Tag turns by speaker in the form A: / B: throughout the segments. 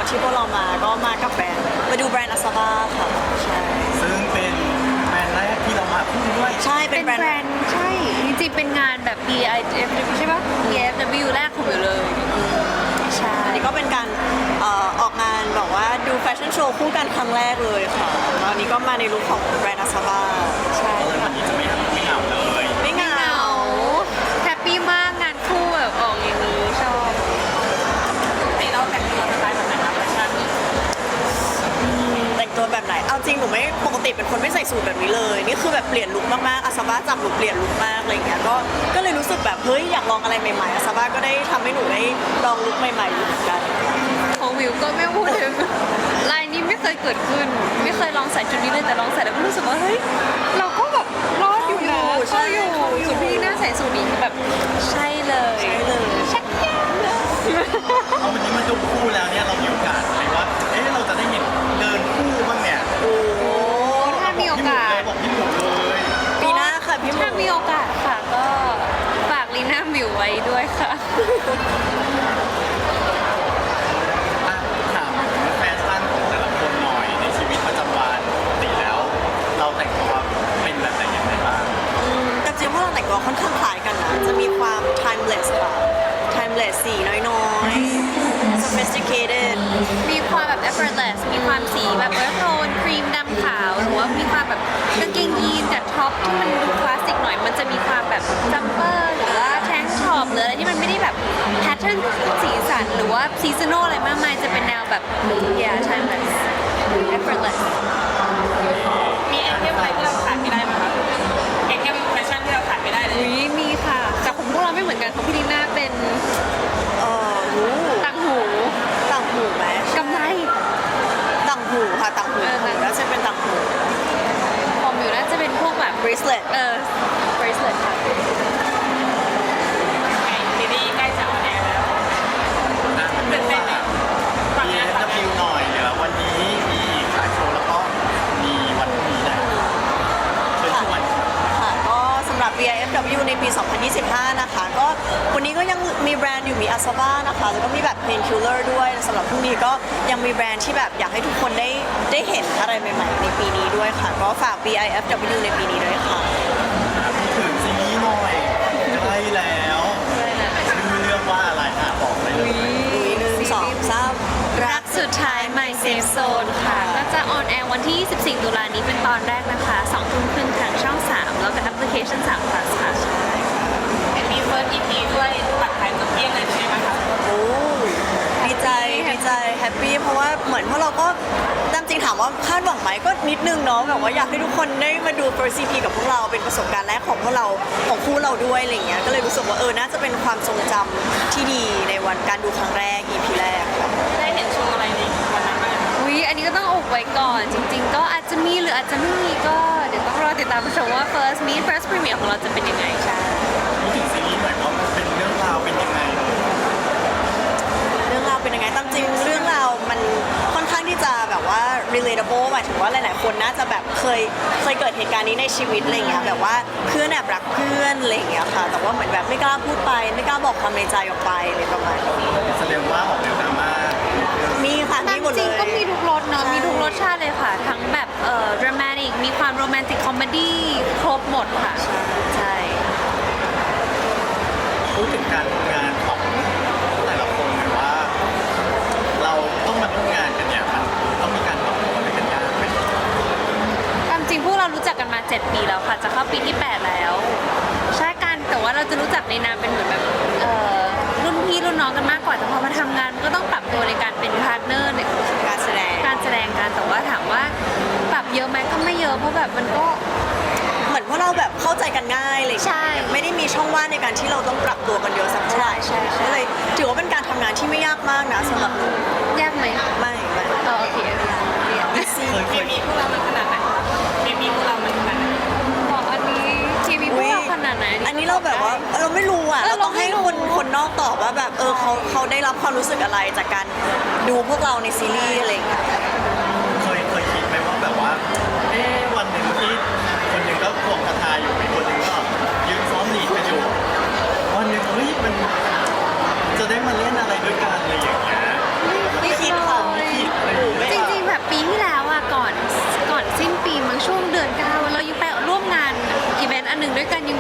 A: ที่พวกเรามาก็มากับแบรนด์มาดูแบรนด์อาซาบ้าค่ะใช่
B: ซึ่งเป็นแบรนด์แรกที่เรามาคู่ด้วย
A: ใช่เป็
C: เป็น น
A: แบรน
C: แบร
A: ด์
C: นด์ใช่จริงๆเป็นงานแบบ BIFW ใช่ปะ BIFW แรกของอยู่เลยใช่
A: อันนี้ก็เป็นการออกงานแบบว่าดูแฟชั่นโชว์คู่กันครั้งแรกเลยค่ะแล้วอันนี้ก็มาในลุคของแบรนด์อาซาบ้าใช่
B: ก็เลยวันนี้จะไม่เหงาเลย
A: ไม่เหงา
C: แฮปปี้มากงานคู่แบบออกอย่างนี้ชอบ
D: ให้เราแต่งตัวสไตล์แบบไหนคะแฟชั่น
A: แต่งตัวแบบไหนเอาจริงหนูไม่ปกติเป็นคนไม่ใส่สูทแบบนี้เลยนี่คือแบบเปลี่ยนลุคมากๆอาซาบ้าจับหนูเปลี่ยนลุคมากอะไรอย่างเงี้ยก็เลยรู้สึกแบบเฮ้ยอยากลองอะไรใหม่ๆอาซาบ้าก็ได้ทำให้หนูได้ลองลุคใหม่ๆอยู่เหมือนกัน
C: ของวิวก็ไม่พูดถึงลายนี้ไม่เคยเกิดขึ้น ไม่เคยลองใส่ชุดนี้เลยแต่ลองใส่แล้วก็รู้สึกว่าเฮ้ยเราก็แบบรอดอยู่นะเข้าอยู่ส่วนพี่น่าใส่สูทนี้คือแบบใช่เลย
A: ใช่เลย
C: ชักยากเลย
B: เอาวันนี้มาดูคู่แล้วเนี่ยเรามีโอกาสไหมว่าเราจะได้เห็นเดินคู่บ้างเนี่ย
A: โอ้
C: ถ้ามีโอกาส
B: บอกพี่หมูเลย
A: ปีหน้าค่ะพี่หมู
C: ถ้ามีโอกาสค่ะก็ฝากลีน่ามิวไว้ด้วยค่ะ
B: อ่ะถามถึงแฟชั่นของแต่ละคนหน่อยในชีวิตประจำวันปกติแล้ว เราแต่งตัวเป็นแบบไหนยังไงบ้าง
A: แต่จริงๆพวกเราแต่งตัวค่อนข้างคล้ายกันนะจะมีความ timeless ค่ะ timeless สีน้อยๆ sophisticated
C: มีความแบบ effortless มีความสีแบบเออโทนครีมดำขาว หรือว่ามีความแบบกางเกงยีนกับท็อปที่มันดูคลาสสิกหน่อย มันจะมีความแบบจัมเปอร์หรือว่าแทงช็อปหรืออะไรที่มันไม่ได้แบบแพทเทิร์นสีสันหรือว่าซีซันอลอะไรมากมายจะเป็นแนวแบบ yeah timeless effortless
D: มีไอเทมอะไรที่เราขาดไม่ได้ไหมคะไอเทมแฟชั่นที่เราขาดไม่ได้เลย
C: อุ้ยมีค่ะแต่ของพวกเราไม่เหมือนกันของพี่ลีน่าเป็น
A: หู
C: ต่างหู
A: ต่างหูไหม
C: กำไร
A: ต่างหูค่ะต่างหู แล้วจะเป็นต่างหู
C: ของมิวน่าจะเป็นพวกแบบ
A: bracelet
C: bracelet ค่ะ
D: ซีรีส์ใกล้จะออนแอร์แล้ว
B: อ่ะเป็นว่า BFW หน่อยเดี๋ยววันนี้มีขายโชว์แล้วก็มีวันพรุ่งนี้นะเชิญชวนครับ
A: ค่ะก็สำหรับ BIFW ในปี 2025 นะคะ ก็วันนี้ก็ยังมีแบรนด์อยู่มี Asaba นะคะ แล้วก็มีแบบ Painkiller ด้วยสำหรับพรุ่งนี้ก็ยังมีแบรนด์ที่แบบอยากให้ทุกคนได้เห็นอะไรใหม่ๆในปีนี้ด้วยค่ะ ก็ฝาก BIFW ในปีนี้ด้วยค่ะ
B: พูดถึงซีรีส์หน่อยใกล้แล้วชื่อเรื่องว่าอะไรอ่ะบอกไปเลย
A: 1 2 3
C: รักสุดท้าย My Safe Zone ค่ะ ก็จะออนแอร์วันที่ 24 ตุลานี้เป็นตอนแรกนะคะ2 ทุ่มครึ่งทางช่อง 3 แล้วก็แอปพลิเคชัน3 plus ค่ะ
D: มีเฟิร์ส EP ด้วยตัดขายจนเกลี้ยงเลยใช่ไหมคะ
A: โอ้ดีใจแฮปปี้เพราะว่าเหมือนพวกเราก็ตามจริงถามว่าคาดหวังไหมก็นิดนึงเนาะแบบว่าอยากให้ทุกคนได้มาดู First EP กับพวกเราเป็นประสบการณ์แรกของพวกเราของคู่เราด้วยอะไรเงี้ยก็เลยรู้สึกว่าน่าจะเป็นความทรงจำที่ดีในวันการดูครั้งแรก EP แรกค่ะ
D: ได้เห็นโชว์อะไรในวันนั้นบ้าง
C: อุ๊ย อันนี้ก็ต้องอุบไว้ก่อน จริง ๆ ก็อาจจะมีหรืออาจจะไม่มีก็เดี๋ยวต้องรอติดตามชมว่า first meet first premiere ของเราจะเป็นยังไงใช่
B: พูดถึงซีรีส์หน่อยว่ามันเป็นเรื่องราวเป็นยังไง
A: เรื่องราวเป็นยังไงตามจริงเรื่องราวมันค่อนข้างที่จะแบบว่า relatable หมายถึงว่าหลายๆคนน่าจะแบบเคยเกิดเหตุการณ์นี้ในชีวิตอะไรเงี้ยแบบว่าเพื่อนแอบรักเพื่อนอะไรเงี้ยค่ะ แต่ว่าเหมือนแบบไม่กล้าพูดไปไม่กล้าบอกความในใจออกไปอะไรประมาณนี้
B: แสดงว่าออกแนวดราม่า
A: มีค่ะ
C: ตา
A: มี
C: ม
A: หมด
C: จ
A: เล
C: ริง
A: ย
C: ก็มีทุกรสเนาะ
A: ใช่
C: มีทุกรสชาติเลยค่ะ ทั้งแบบdramatic มีความโรแมนติกคอมเมดี้ครบหมดค่ะ ใช่
B: พูดถึงการทำงานของแต่ละคนหน่อยว่า เราต้องมาทำงานกันเนี่ยมันต้องมีการปรับตัวอะไรกันยากไหม
C: ตามจริงพวกเรารู้จักกันมา 7 ปีแล้วค่ะ จะเข้าปีที่ 8 แล้ว ใช่กันแต่ว่าเราจะรู้จักในนามเป็นเหมือนแบบรุ่นพี่รุ่นน้องกันมากกว่า แต่พอมาทำงานก็ต้องปรับตัวในการเป็นพาร์ทเนอร์ใน
A: การแสดง
C: การแสดงกันแต่ว่าถามว่าปรับเยอะไหมก็ไม่เยอะเพราะแบบมันก็
A: เหมือนพวกเราแบบเข้าใจกันง่ายเลย
C: ใช่
A: ไม่ได้มีช่องว่างในการที่เราต้องปรับตัวกันเยอะสักเท่าไหร่
C: ใช่
A: ก็เลยถือว่าเป็นการทำงานที่ไม่ยากมากนะสำหรับหนู
C: ยากไหม
A: ไม่
C: โอเคเรียน
D: เคมีพวกเรามันขนาดไหนเคมีพวกเรามันขนาดไหน
C: บอกอันนี้ทีวีพวกเราขนาดไหน
A: อันนี้เราแบบว่าเราไม่รู้อ่ะ เราต้องให้
C: เราไม่รู้
A: คนนอกตอบว่าแบบเขาได้รับความรู้สึกอะไรจากการดูพวกเราในซีรีส์อะไรอย่างเงี้ย
B: เคยคิดไหมว่าแบบว่า วันหนึ่งที่คนหนึ่งก็ควงกระทาอยู่อีกคนหนึ่งก็ยืนซ้อมหลีดกันอยู่ วันหนึ่งมันจะได้มาเล่นอะไรด้วยกันอะไรอย่างเงี้ย
A: ไม่คิดค่ะ
C: เลย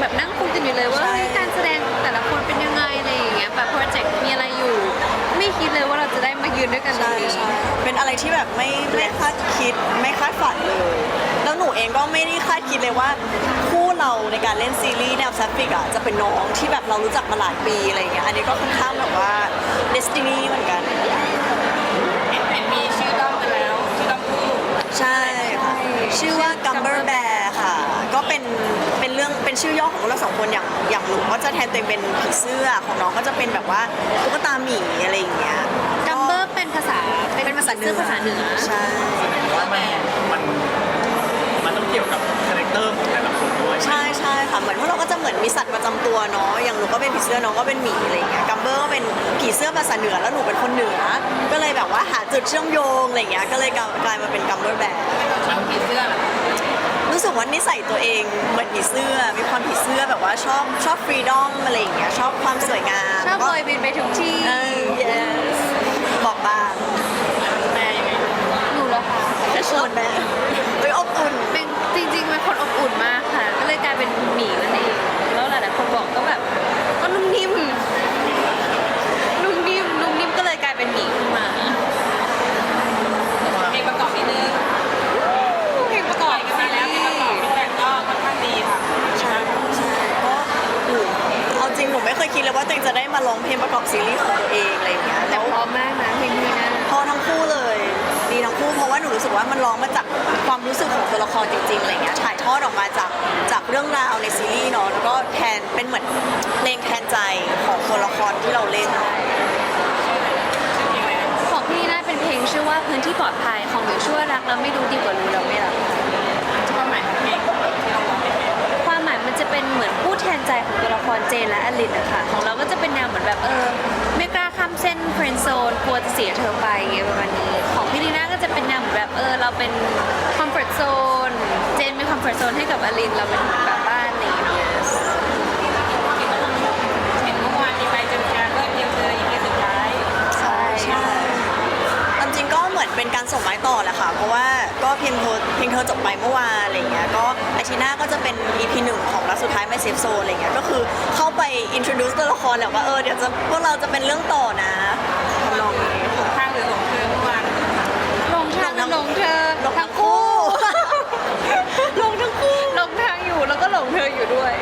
C: แบบนั่งคุยกันอยู่เลยว่า
A: ใช่
C: เฮ้ยการแสดงแต่ละคนเป็นยังไงอะไรอย่างเงี้ยแบบโปรเจกต์มีอะไรอยู่ ไม่คิดเลยว่าเราจะได้มายืนด้วยกันตรง
A: ใช่
C: นี้
A: ใช่เป็นอะไรที่แบบไม่คาดคิดไม่คาดฝันเลย แล้วหนูเองก็ไม่ได้คาดคิดเลยว่าคู่เราในการเล่นซีรีส์แนวแซฟฟิกอ่ะจะเป็นน้องที่แบบเรารู้จักมาหลายปีอะไรอย่างเงี้ยอันนี้ก็ค่อนข้างแบบว่าเดสตินีเหมือนกัน
D: เห็นมีชื่อด้อมกันแล้วชื่อด้อมคู่
A: ใช่ค่ะชื่อว่า Gumber Bear ค่ะ ก็เป็นเรื่องเป็นชื่อย่อของเราสองคนอย่างหนูก็จะแทนตัวเองเป็นผีเสื้อของน้องก็จะเป็นแบบว่าตุ๊กตาหมีอะไรอย่างเงี้ย
C: จัมเบอร์เป็นภาษา
A: เป็นภาษาเหนือ
C: ภาษาเหนือ
A: ใช่
B: แสดงว่ามันต้องเกี่ยวกับคาแรคเตอร์ของแต่ละคนด้วย
A: ใช่ใช่ค่ะเหมือนพวกเราก็จะเหมือนมีสัตว์ประจำตัวเนาะอย่างหนูก็เป็นผีเสื้อน้องก็เป็นหมีอะไรอย่างเงี้ยกัมเบอร์ก็เป็นผีเสื้อภาษาเหนือแล้วหนูเป็นคนเหนือ ก็เลยแบบว่าหาจุดเชื่อมโยงอะไรอย่างเงี้ยก็เลยกลายมาเป็นกัมเบอร์แบร์
D: มันผีเสื้อเหรอ
A: รู้สึกว่านิสัยตัวเองเหมือนผีเสื้อมีความผีเสื้อแบบว่าชอบฟรีดอมอะไรอย่างเงี้ยชอบความสวยงาม
C: ชอบลอยบินไปทุกที่
A: yes บอกบาง
D: แม่ยังไง
C: หนูเหรอคะ
A: แต่ชอบแม่เฮ้ยอบอุ่น
C: เป็นจริงๆเป็นคนอบอุ่นมากค่ะ ก็เลยกลายเป็นหมีนั่นเองแล้วหลายๆคนบอกก็แบบก็นุ่มนิ่มก็เลยกลายเป็นหมีขึ้นมา
D: เพลงประกอบนิดนึง
C: เพลงประก
D: ป
C: อ
D: ล่
C: บ
D: อยกันมาแล้วเพลงประกอบฟีดแบ็กก็ค่อนข้างดีค่ะ
A: ใช่ใช่เพราะหนูเอาจริงหนูไม่เคยคิดเลยว่าตัวเองจะได้มาร้องเพลงประกอบซีรีส์ของตัวเองอะไรอย่างเงี้ย
C: แต่
A: แล้ว
C: พร้อมมากนะเพลงนี้นะ
A: พอทั้งคู่เลยดีทั้งคู่เพราะว่าหนูรู้สึกว่ามันร้องมาจากความรู้สึกของตัวละครจริงๆอะไรเงี้ยถ่ายทอดออกมาจากเรื่องราวในซีรีส์เนาะแล้วก็แทนเป็นเหมือนเพลงแทนใจของตัวละครที่เราเล่น
C: ของพี่น่าเป็นเพลงชื่อว่าพื้นที่ปลอดภัยของหนูช่วยรักแล้วไม่รู้ดีกว่ารู้แล้วไม่รักค่ะ
D: ความหมายของเพลงที่เราร้องเป็นไง
C: ความหมายมันจะเป็นเหมือนผู้แทนใจของตัวละครเจนและอลินนะคะของเราก็จะเป็นแนวเหมือนแบบไม่กล้าข้ามเส้นเฟรนด์โซนกลัวจะเสียเธอไปอย่างเงี้ยประมาณนี้ของพี่ลีน่าก็จะเป็นแนวเหมือนแบบเราเป็นคอมฟอร์ z โซนเจนเป็นคอมฟอร์ z โซนให้กับอลินเราเป็นเหมือนแบบบ้านอะไรอย่างเงี้ย
D: เห็นเมื่อวานมีไปเจอกันเพื่อเดียวเจออีกทีสุดท้าย
A: ใช่ใช่ตามจริงก็เหมือนเป็นการส่งไม้ต่อแหละค่ะ เพราะว่าก็เพลงเธอจบไปเมื่อวานอะไรเงี้ย ก็อาทิตย์หน้าก็จะเป็น EP 1 ของรักสุดท้ายไม่เซฟโซนอะไรเงี้ย ก็คือเข้าไป introduce ตัวละครแหละว่าเดี๋ยวพวกเราจะเป็นเรื่องต่อนะทำนองนี้ค่ะ
D: ข้างหรือหลงเธอเมื่อวาน
C: ลงทางลงเธอ
A: ลงทั้งคู่
C: ลงทั้งคู่ลงทางอยู่แล้วก็หลงเธออยู่ด้วย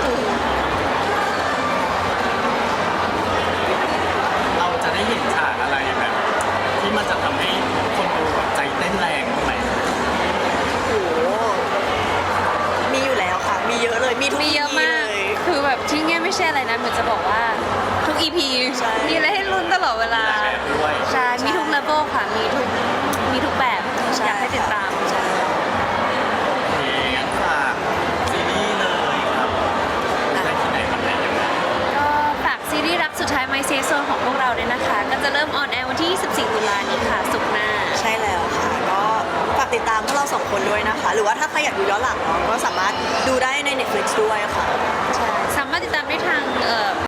B: เราจะได้เห็นฉากอะไรแบบ ที่มันจะทำให้คนดูแบบใจเต้นแรงบ้างไหม
A: โอ้โหมีอยู่แล้วค่ะ มีเยอะเลย มีทุก
C: มี
A: EP
C: เยอะมาก
A: เลย
C: คือแบบที่เงี้ยไม่ใช่อะไรนะเหมือนจะบอกว่าทุก EP
A: ใช่
C: มีอะไรให้ลุ้นตลอดเวลา
B: หลายแบบด้วย
C: ใช่ มีทุกเลเวลค่ะ มีทุกแบบ
A: ใช่
C: อยากให้ติดตาม
A: ใช่
B: เพลงฝากซีรีส์เลยครับได้ที่ไหนมันได้ยังไง
C: ก็ฝากซีรีส์รักสุดท้าย My Safe Zone ของพวกเราด้วยนะคะ ก็จะเริ่มออนแอร์วันที่ 24 ตุลานี้ค่ะ ศุกร์หน้า
A: ใช่แล้วค่ะ ก็ฝากติดตามพวกเราสองคนด้วยนะคะ หรือว่าถ้าใครอยากดูย้อนหลังเนาะก็สามารถดูได้ใน Netflix ด้วยค่ะ
C: สามารถติดตามได้ทาง